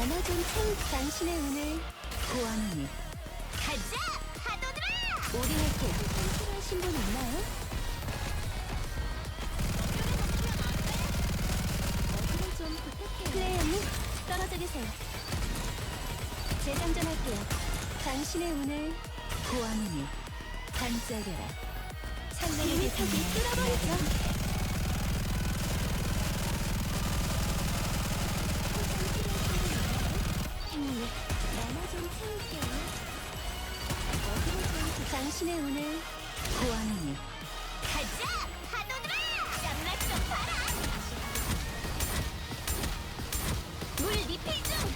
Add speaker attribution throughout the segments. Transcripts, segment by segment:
Speaker 1: 만화 좀 채울 당신의 운을
Speaker 2: 고아누니
Speaker 3: 가자! 파도들아!
Speaker 1: 올인할게요. 필요하신 분 있나요? 어그로 좀 부탁해요. 플레이어님, 떨어져 계세요. 재장전할게요. 당신의 운을
Speaker 2: 고아누니 반짝여라. 찬란하게
Speaker 1: 비밀 턱이
Speaker 2: 빛나는
Speaker 1: 뚫어버리죠.
Speaker 2: 나를
Speaker 1: 행님, 만화 좀 채울게요. 어그로 좀 당신의 운을
Speaker 2: 고아누니
Speaker 3: 가자! 파도들아! 짱날 좀 봐라! 물 리필 중!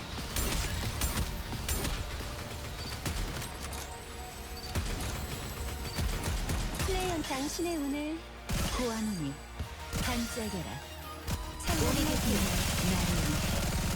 Speaker 1: 플레이어 당신의 운을
Speaker 2: 고아누니 반짝여라.
Speaker 1: 우리의
Speaker 2: 찬란하게 빛나는 나를 위해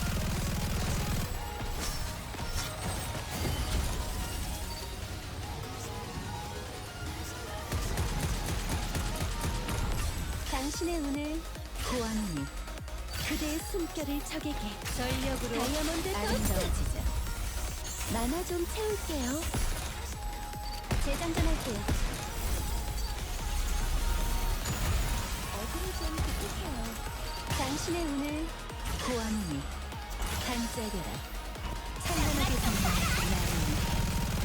Speaker 1: 당신의 운을
Speaker 2: 고아누니
Speaker 1: 그대의 숨결을 적에게
Speaker 2: 전력으로
Speaker 1: 다이아몬드 토스트
Speaker 2: 아름다워지자.
Speaker 1: 만화 좀 채울게요. 재장전할게요. 어그로 좀 부탁해요. 당신의 운을
Speaker 2: 고아누니 반짝여라. 찬란하게 빛나는 나를 위해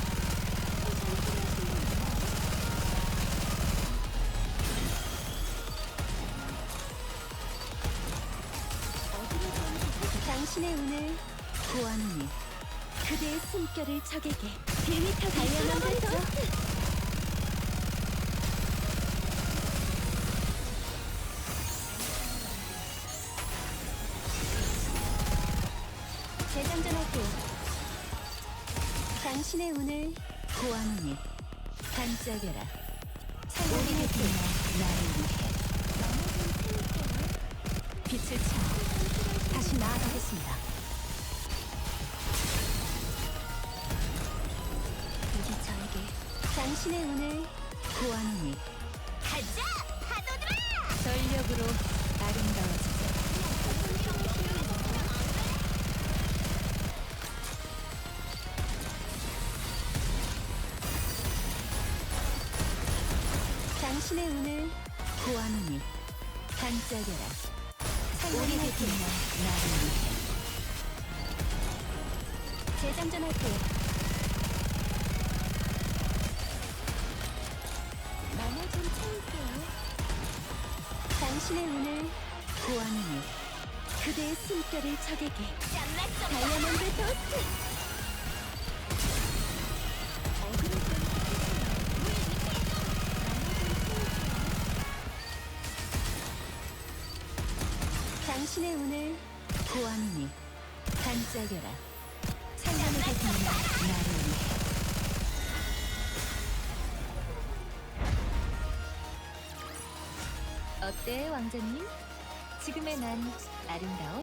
Speaker 1: 어그로 좀 부탁해요. 당신의 운을
Speaker 2: 고아누니
Speaker 1: 그대의 숨결을 적에게 1m 다이아몬드 토스트 재장전할게요. 당신의 운을
Speaker 2: 고아누니 반짝여라. 찬란하게
Speaker 1: 우리의
Speaker 2: 빛나는 나를 위해
Speaker 1: 만화 좀 채울게요.
Speaker 2: 빛을 차 다시 나아가겠습니다.
Speaker 1: 이제 저에게 당신의 운을
Speaker 2: 고아누니
Speaker 3: 가자! 파도들아!
Speaker 2: 전력으로 아름다워지자.
Speaker 1: 당신의 운을
Speaker 2: 고아누니 반짝여라. 찬란하게
Speaker 1: 우리의
Speaker 2: 빛나는 나를 위해
Speaker 1: 재장전할게요. 만화 좀 채울게요. 당신의 운을
Speaker 2: 고아누니
Speaker 1: 그대의 숨결을 적에게
Speaker 3: 짱날 좀 봐라!
Speaker 1: 다이아몬드 토스트 어그로 좀 부탁해요. 당신의 운을
Speaker 2: 고아누니 반짝여라. 찬란하게 빛나는 나를 위해 어때 왕자님? 지금의 난 아름다워?